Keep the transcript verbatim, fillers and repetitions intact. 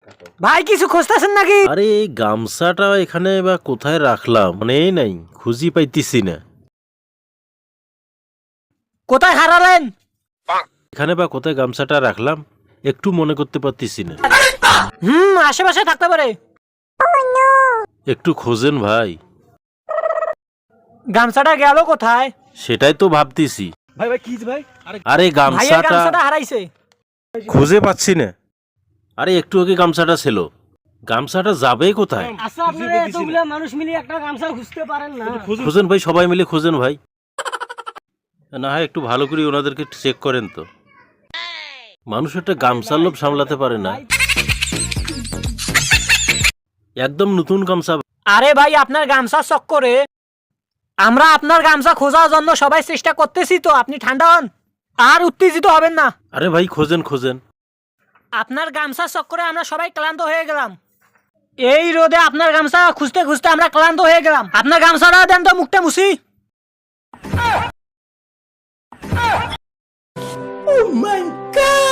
ভাই কিছু খুঁজতেছেন নাকি? আরে এই গামছাটা এখানে বা কোথায় রাখলাম মনেই নাই, খুঁজি পাইতেছি না। কোথায় হারালেন? এখানে বা কোথায় গামছাটা রাখলাম একটু মনে করতে পারতেছি না। হুম আশেপাশে থাকতে পারে। একটু খোঁজেন ভাই। গামছাটা গেল কোথায়? সেটাই তো ভাবতেছি। ভাই ভাই কি ভাই? আরে ভাইয়ের গামছাটা গামছাটা হারাইছে। খুঁজে পাচ্ছি না। আরে একটু আগে গামছাটা ছিল, গামছাটা যাবে কোথায়? আচ্ছা আপনারা এতগুলা মানুষ মিলে একটা গামছা খুঁজতে পারেন না? খোঁজেন ভাই, সবাই মিলে খোঁজেন ভাই। না হয় একটু ভালো করে ওনাদেরকে চেক করেন তো। মানুষ একটা গামছার লোভ সামলাতে পারে না। একদম নতুন গামছা। আরে ভাই আপনার গামছা চক্করে আমরা আপনার গামছা খোঁজার জন্য সবাই চেষ্টা করতেছি, তো আপনি ঠান্ডা হন আর উত্তেজিত হবেন না। আরে ভাই খোঁজেন খোঁজেন। আপনার গামছা চক্করে আমরা সবাই ক্লান্ত হয়ে গেলাম। এই রোদে আপনার গামছা খুঁজতে খুঁজতে আমরা ক্লান্ত হয়ে গেলাম। আপনার গামছাটা দেন তো, মুখটা মুছি। Oh my God!